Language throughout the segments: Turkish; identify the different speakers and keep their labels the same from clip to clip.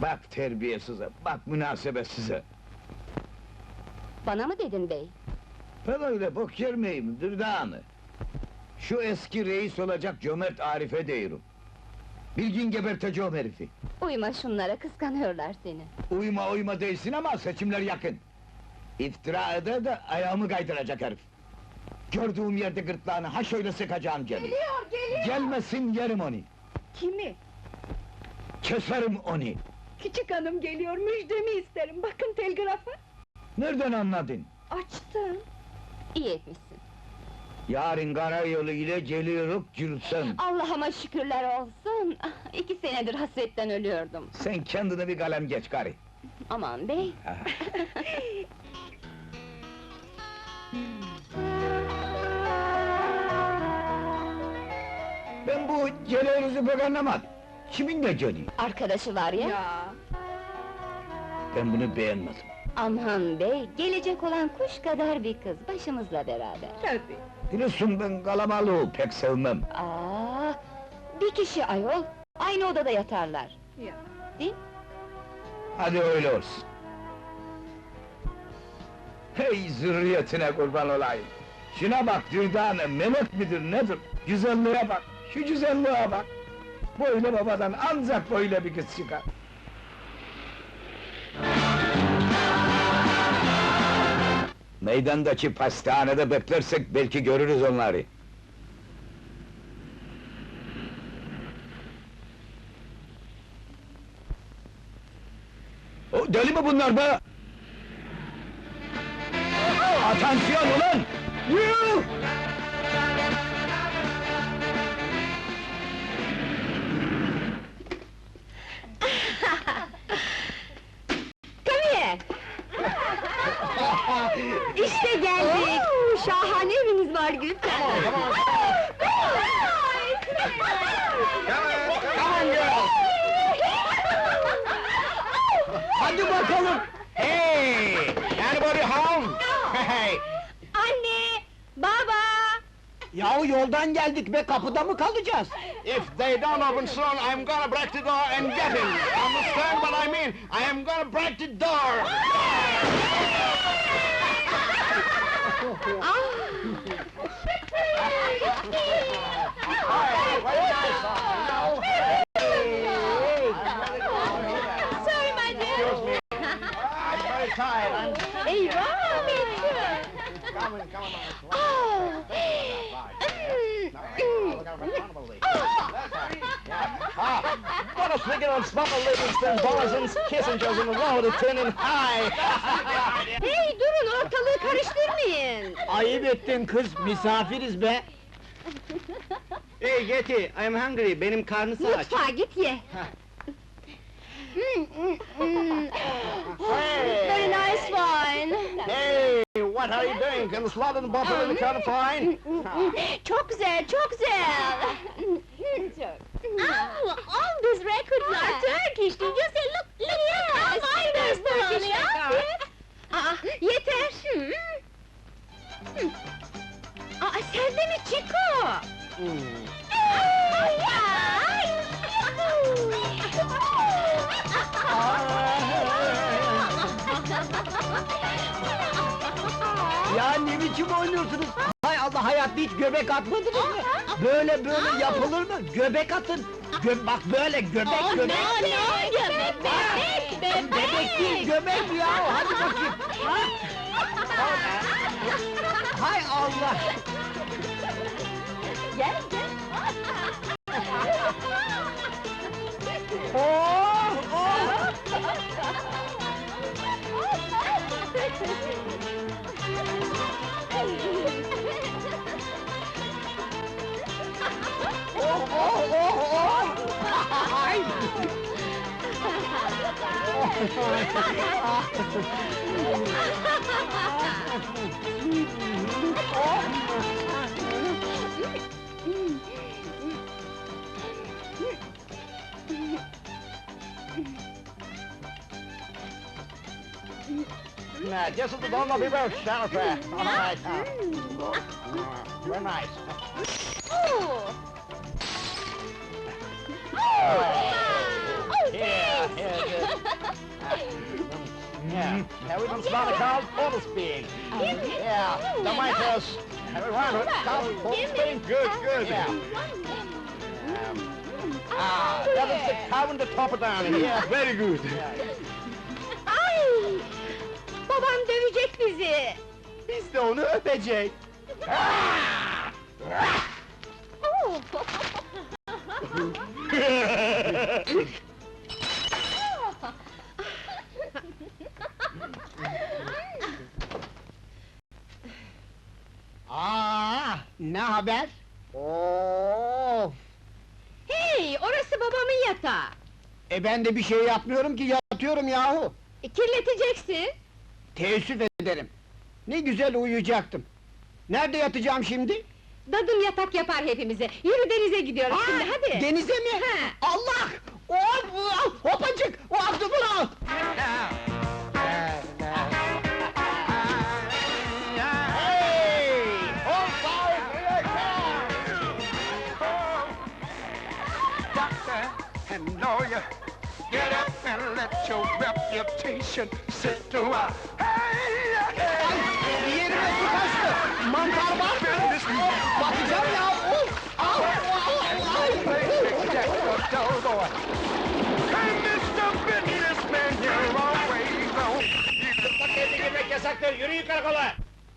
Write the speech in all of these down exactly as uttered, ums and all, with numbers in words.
Speaker 1: Bak terbiyesize, bak münasebetsize!
Speaker 2: Bana mı dedin bey?
Speaker 1: Ben öyle bok yer miyim, Dürdanı? Şu eski reis olacak cömert Arif'e diyorum. Bilgin geberteceğim herifi!
Speaker 2: Uyma şunlara, kıskanıyorlar seni.
Speaker 1: Uyuma uyma değilsin ama seçimler yakın! İftira eder de ayağımı kaydıracak herif! Gördüğüm yerde gırtlağını ha şöyle sıkacağım geliyor!
Speaker 3: Geliyor, geliyor!
Speaker 1: Gelmesin yerim onu!
Speaker 3: Kimi?
Speaker 1: Keserim onu!
Speaker 3: Küçük hanım geliyor, müjdemi isterim, bakın telgrafa!
Speaker 1: Nereden anladın?
Speaker 3: Açtım!
Speaker 2: İyi etmişsin.
Speaker 1: Yarın karayolu ile geliyoruz Gülsüm!
Speaker 2: Allah'ıma şükürler olsun! Ah, İki senedir hasretten ölüyordum.
Speaker 1: Sen kendine bir kalem geç karı!
Speaker 2: Aman bey!
Speaker 1: Ben bu geliyoruzu pek anlamadım! Kimin de geliyor?
Speaker 2: Arkadaşı var ya!
Speaker 3: Ya!
Speaker 1: Ben bunu beğenmedim!
Speaker 2: Aman bey, gelecek olan kuş kadar bir kız, başımızla beraber.
Speaker 3: Tabii!
Speaker 1: Biliyorsun ben kalabalığı pek sevmem!
Speaker 2: Aa, bir kişi ayol, aynı odada yatarlar.
Speaker 3: Ya!
Speaker 2: Değil?
Speaker 1: Hadi öyle olsun! Hey zürriyetine kurban olayım! Şuna bak Dürdane, melek midir nedir? Güzelliğe bak, şu güzelliğe bak! Böyle babadan ancak böyle bir kız çıkar! Meydandaki pastanede beklersek belki görürüz onları! O, deli mi bunlar be? Atansiyon ulan! Yuh!
Speaker 2: Come here! İşte geldik! Şahane eviniz var Gülten!
Speaker 1: Hadi bakalım! Hey! Anybody home? Hey!
Speaker 2: Anne! Baba!
Speaker 1: Yahu yoldan geldik be, kapıda mı kalacağız?
Speaker 4: If they don't open soon, I'm gonna break the door and get him! Understand what I mean? I am gonna break the door!
Speaker 2: Sorry my dear!
Speaker 4: I'm very tired, I'm...
Speaker 2: Eyvah!
Speaker 4: Come on, come on.
Speaker 2: Oh!
Speaker 4: Ah, what a figure of smuggle Livingston, Borison's, Kissinger's in the row to turning high!
Speaker 2: Hey durun, ortalığı karıştırmayın!
Speaker 1: Ayıp ettin kız, misafiriz be!
Speaker 4: Hey Getty, I'm hungry, benim karnısı aç.
Speaker 2: Mutfağa git ye! Mm, mm, mm. Very nice wine!
Speaker 4: Hey, what are you doing? Can the slot in the bottle in the kind of fine?
Speaker 2: Çok güzel, çok güzel! Oh, all these records are Turkish, did you say? Look, look, look how fine this Turkish record! Aa, yeter! Aa, sen de mi Chico? Ay, ay!
Speaker 1: Ya ne biçim oynuyorsunuz? Hay Allah, hayatta hiç göbek atmadınız mı? Böyle böyle yapılır mı? Göbek atın! Gö bak böyle, göbek göbek!
Speaker 2: No, no, göbek, bebek, bebek!
Speaker 1: Bebek değil, göbek ya! Hadi bakayım! Ha? Hay Allah!
Speaker 2: Gel, gel!
Speaker 1: Oh, oh! Oh, oh, oh, oh! Ay!
Speaker 4: Nah, just at the bottom of the road, Sheriff. All right, uh, very nice.
Speaker 2: Oh!
Speaker 4: Here, here, good. called full speed. Yeah, the miters. Everyone, come full speed. Good, good. Yeah. Ah, that is the carbon to top it down here. Very good.
Speaker 2: Ay! Babam dövecek bizi!
Speaker 4: Biz de onu öpecek.
Speaker 2: Oh!
Speaker 4: Aa, ne haber? Of!
Speaker 2: Hey, orası babamın yatağı!
Speaker 4: E ben de bir şey yapmıyorum ki, yatıyorum yahu!
Speaker 2: E, kirleteceksin!
Speaker 4: Teessüf ederim! Ne güzel uyuyacaktım! Nerede yatacağım şimdi?
Speaker 2: Dadım yatak yapar hepimize! Yürü denize gidiyoruz
Speaker 4: Aa,
Speaker 2: şimdi, hadi!
Speaker 4: Denize mi?
Speaker 2: He.
Speaker 4: Allah! Hop! Hopacık! Hop bunu! Hey! Hold fire! Here
Speaker 5: Doctor and lawyer, get up and let your reputation sit to a
Speaker 4: Bir yerime su kaçtı! Mantar var mı? Bakacağım ya! Of! Au! Au!
Speaker 5: Hey, Mister Businessman, you're always on.
Speaker 4: Bak evde girmek yasaktır, yürüyün karakola!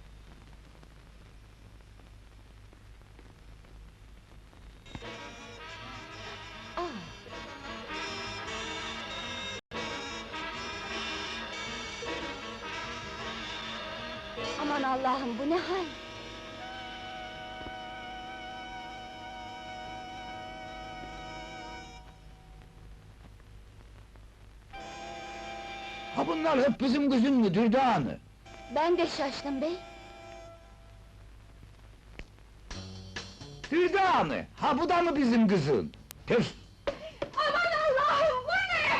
Speaker 2: Aman Allah'ım, bu ne hal?
Speaker 1: Ha bunlar hep bizim kızın mı Dürdanı?
Speaker 2: Ben de şaştım bey!
Speaker 1: Dürdanı, ha bu da mı bizim kızın? Tüf!
Speaker 2: Aman Allah'ım, bu ne?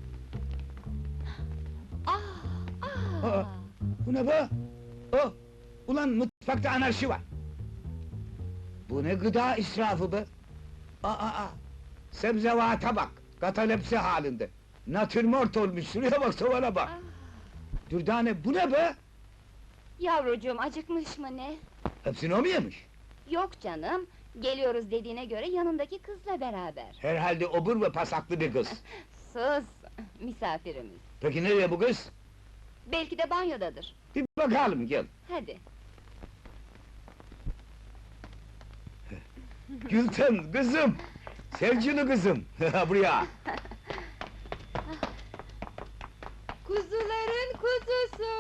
Speaker 2: Ah, ah!
Speaker 1: Aa, bu ne be? Oh, ulan mutfakta anarşi var! Bu ne gıda israfı be? Aa, aa! Sebzevata bak, katalepsi halinde! Natürmort olmuş, şuraya bak, sovana bak! Dürdane, bu ne be?
Speaker 2: Yavrucuğum, acıkmış mı ne?
Speaker 1: Hepsini o mu yemiş?
Speaker 2: Yok canım, geliyoruz dediğine göre yanındaki kızla beraber.
Speaker 1: Herhalde obur ve pasaklı bir kız.
Speaker 2: Sus, misafirimiz.
Speaker 1: Peki nereye bu kız?
Speaker 2: Belki de banyodadır.
Speaker 1: Bir bakalım, gel!
Speaker 2: Hadi.
Speaker 1: Gülten, kızım! Sevgili kızım, buraya!
Speaker 2: Kuzuların kuzusu!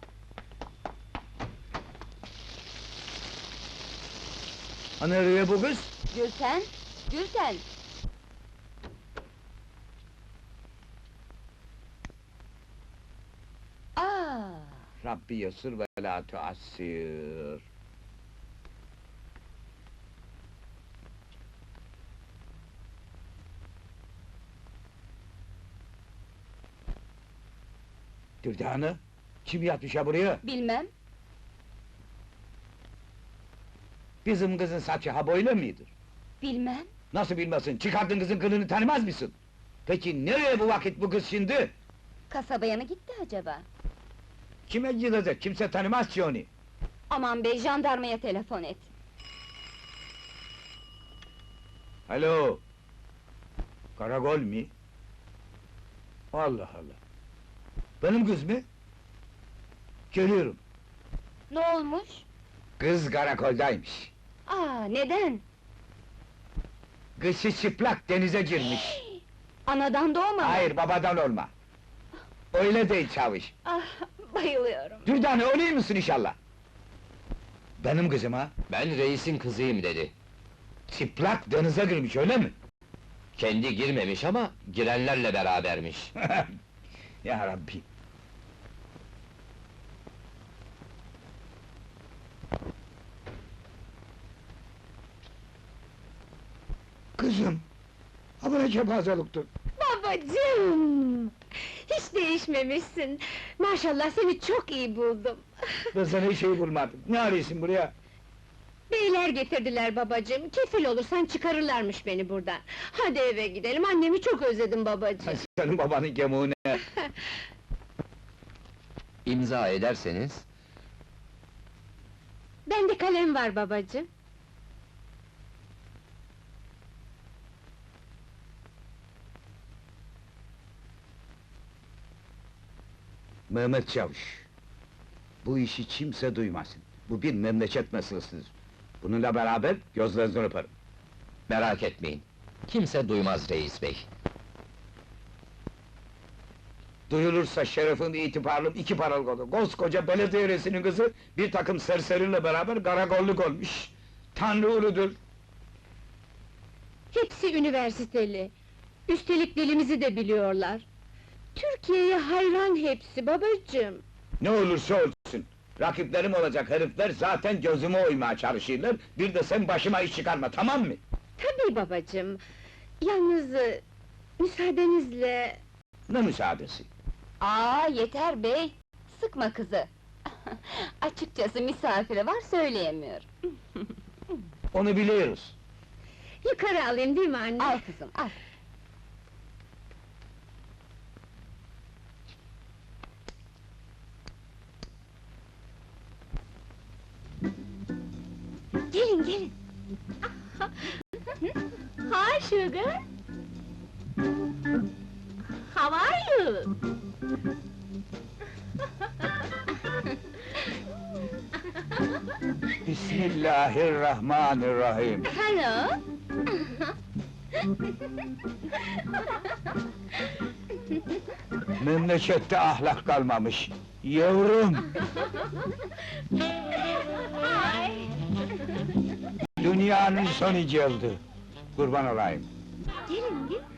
Speaker 1: Ha nereye bu kız?
Speaker 2: Gülten, Gülten! Aa!
Speaker 1: Rabbi yasır ve la tuassir. Dürdane, kim yatmış ha buraya?
Speaker 2: Bilmem,
Speaker 1: Bizim kızın saçı ha böyle midir?
Speaker 2: bilmem.
Speaker 1: Nasıl bilmesin, çıkardın kızın kılını tanımaz mısın? Peki nereye bu vakit bu kız şimdi?
Speaker 2: Kasabaya mı gitti acaba?
Speaker 1: Kime gidecek, kimse tanımaz ki onu!
Speaker 2: Aman bey, jandarmaya telefon et.
Speaker 1: Alo! Karakol mi? Allah Allah! Benim kız mı? Geliyorum!
Speaker 2: Ne olmuş?
Speaker 1: Kız karakoldaymış!
Speaker 2: Aa, neden?
Speaker 1: Kışı çıplak denize girmiş!
Speaker 2: Anadan doğma mı?
Speaker 1: Hayır, babadan olma! Öyle değil çavuş!
Speaker 2: Ah, bayılıyorum.
Speaker 1: Dürdane, öyle misin inşallah? Benim kızım ha?
Speaker 6: Ben reisin kızıyım dedi.
Speaker 1: Çıplak denize girmiş, öyle mi?
Speaker 6: Kendi girmemiş ama girenlerle berabermiş.
Speaker 1: Ya Rabbi! Kızım! Ha bu ne kepazeliktir?
Speaker 2: Babacığım! Hiç değişmemişsin. Maşallah seni çok iyi buldum.
Speaker 1: Ben sana hiç şey bulmadım. Ne arıyorsun buraya?
Speaker 2: Beyler getirdiler babacığım. Kefil olursan çıkarırlarmış beni buradan. Hadi eve gidelim. Annemi çok özledim babacığım.
Speaker 1: Senin babanın gemuğu ne?
Speaker 6: İmza ederseniz...
Speaker 2: Bende kalem var babacığım.
Speaker 1: Mehmet Çavuş. Bu işi kimse duymasın. Bu bir memleket meselesidir. Bununla beraber gözlerinizden öperim.
Speaker 6: Merak etmeyin. Kimse duymaz reis bey.
Speaker 1: Duyulursa şerefim, itibarım iki paralık olur. Koskoca belediye reisinin kızı bir takım serseriyle beraber karakolluk olmuş. Tanrı uludur.
Speaker 2: Hepsi üniversiteli. Üstelik dilimizi de biliyorlar. Türkiye'ye hayran hepsi babacığım.
Speaker 1: Ne olursa olsun. Rakiplerim olacak herifler zaten gözüme oymaya çalışırlar. Bir de sen başıma iş çıkarma, tamam mı?
Speaker 2: Tabii babacığım. Yalnız e, müsaadenizle...
Speaker 1: Ne müsaadesi?
Speaker 7: Aa yeter bey! Sıkma kızı! Açıkçası misafiri var, söyleyemiyor.
Speaker 1: Onu biliyoruz.
Speaker 2: Yukarı alayım değil mi anne?
Speaker 7: Al kızım, al!
Speaker 2: Gelin gelin! Hi sugar! How are you?
Speaker 1: Bismillahirrahmanirrahim.
Speaker 2: Hello!
Speaker 1: Memlekette ahlak kalmamış. Yavrum!
Speaker 2: Hi!
Speaker 1: Dünyanın sonu geldi. Kurban olayım.
Speaker 2: Gelin gelin!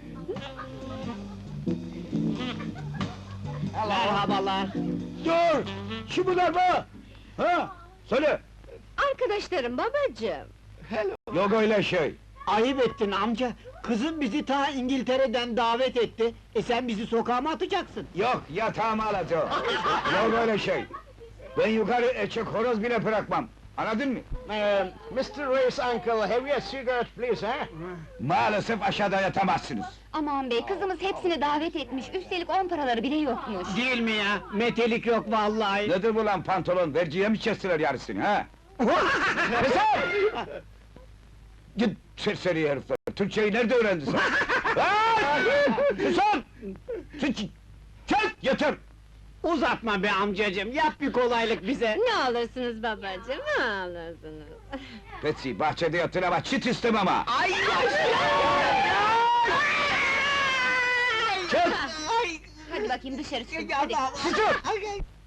Speaker 1: Merhabalar. Dur! Kim bunlar be? Ha? Söyle!
Speaker 2: Arkadaşlarım babacığım!
Speaker 1: Yok öyle şey.
Speaker 8: Ayıp ettin amca. Kızım bizi ta İngiltere'den davet etti. E sen bizi sokağa mı atacaksın?
Speaker 1: Yok, yatağımı alacağım. Yok öyle şey. Ben yukarı eçek horoz bile bırakmam. Anladın mı?
Speaker 4: Uh, mister Ray's uncle, have you a cigarette, please, eh?
Speaker 1: Maalesef aşağıda yatamazsınız.
Speaker 7: Aman bey, kızımız hepsini davet etmiş, üstelik on paraları bile yokmuş.
Speaker 8: Değil mi ya? Metelik yok vallahi.
Speaker 1: Nedir bu lan pantolon? Verciye mi kestiler yarısını ha? Keser! Git serseri herifler! Türkçeyi nerede öğrendin sen? Ha! Susun! Sus! Çek! Yeter!
Speaker 8: Uzatma be amcacığım, yap bir kolaylık bize.
Speaker 2: Ne alırsınız babacığım, ne alırsınız?
Speaker 1: Betsy, bahçede yatın ama çit istemem ha!
Speaker 8: Ay
Speaker 1: Çek!
Speaker 7: Hadi bakayım dışarı çıkın,
Speaker 8: Ya
Speaker 7: hadi!
Speaker 8: da-
Speaker 1: Susun!